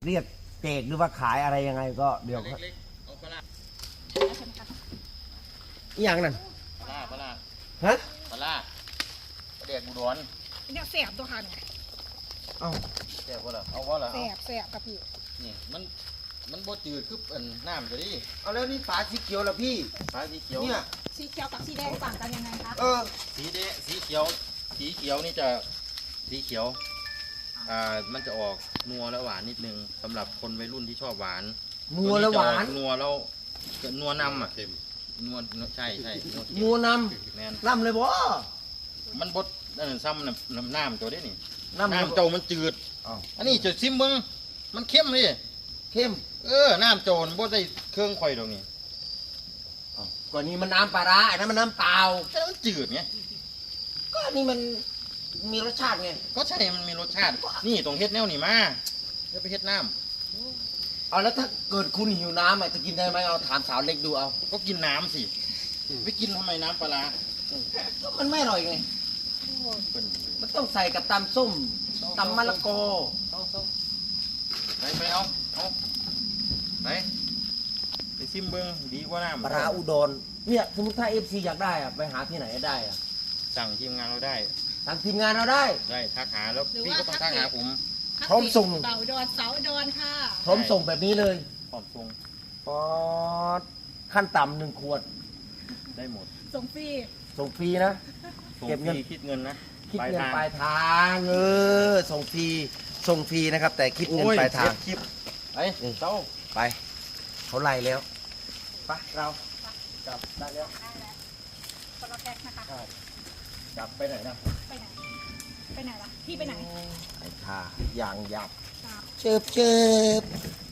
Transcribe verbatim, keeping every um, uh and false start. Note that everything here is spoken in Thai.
เรียกเจกหรือว่าขายอะไรยังไงก็เดี๋ยวเล็กๆเอาปลาร้าอหย่างนั้นปลาร้าปลาร้าฮะปลาร้าปลาแดกบุดรเนี่ยแสบตัวค่ะเนี่ยเอ้าแซ่บบ่ล่ะเอาว่าล่ะแสเอาบแสบกับพี่นี่มันมันบ่จืดคืออันน้ำจะดิเอาแล้วนี่ฝาสีเขียวแล้วพี่ฟ้าสีเขียวเนี่ยสีเขียวกับสีแดงต่างกันยังไงคะเออสีแดงสีเขียวสีเขียวนี่จะสีเขียวอ่ามันจะออกนัวและหวานนิดนึงสำหรับคนวัยรุ่นที่ชอบหวานนัวแล้วหวานตัจะออกนัวแล้วนัวนำอ่ะนัวใช่ใช่นัวเค็มนัวนแม่นำล่ำเลยบ่มันบดอันนั้นซ้ำน้ำน้ำน้ำตัวนี้นี่น้ำเลยน้ำโจมันจืดอ้าวอันนี้จะซิมเบิ้งมันเข้มเลยเข้มเออน้ำโจรบดได้เครื่องข่อยตรงนี้อ้าวก่อนนี้มันน้ำปลาร้าไอ้นั้นมันน้ำเปล่าแต่มันจืดไงก็อันนี่มันมีรสชาติไงก็ใช่มันมีรสชาตินี่ตรงเฮ็ดแนวนี่มาเดี๋ยวไปเฮ็ดน้เอาแล้วถ้าเกิดคุณหิวน้ำอ่ะจะกินได้ไหมเอาถามสาวเล็กดูเอาำก็กินน้ำสิไปกินทำไมน้ำปลาร้าก็มันไม่อร่อยไงเป็นมันต้องใส่กับตำส้มตำมะละกอไปไปเอาเอาไปไปซิมเบิ้งดีกว่าน้ำปลาร้าอุดรเนี่ยสมมติถ้าเอฟซีอยากได้อ่ะไปหาที่ไหนได้อ่ะสั่งทีมงานเราได้ทางทีมงานเราได้ได้ทักหาแล้วพี่ก็ต้องทักหาผมพร้อมส่งเบาดอนเสาดอนค่ะพร้อมส่งแบบนี้เลยพร้อมส่งพอขั้นต่ำหนึ่งขวดได้หมดส่งฟรีส่งฟรีนะส่งเก็บฟเงินรีคิดเงินนะคิดเงินทางปลายทางเออส่งฟรีส่งฟรีนะครับ แต่คิดเงินโอ้ยปลายทางเสียคลิปไปอืมเต้าไปเขาไล่แล้วไปเรากลับได้แล้วได้แล้วคนละแพ็คนะคะกลับไปไหนนะไปไหน ไปไหนล่ะ พี่ไปไหนไอ้ท่าอย่างหยับครับเจิบเจิบ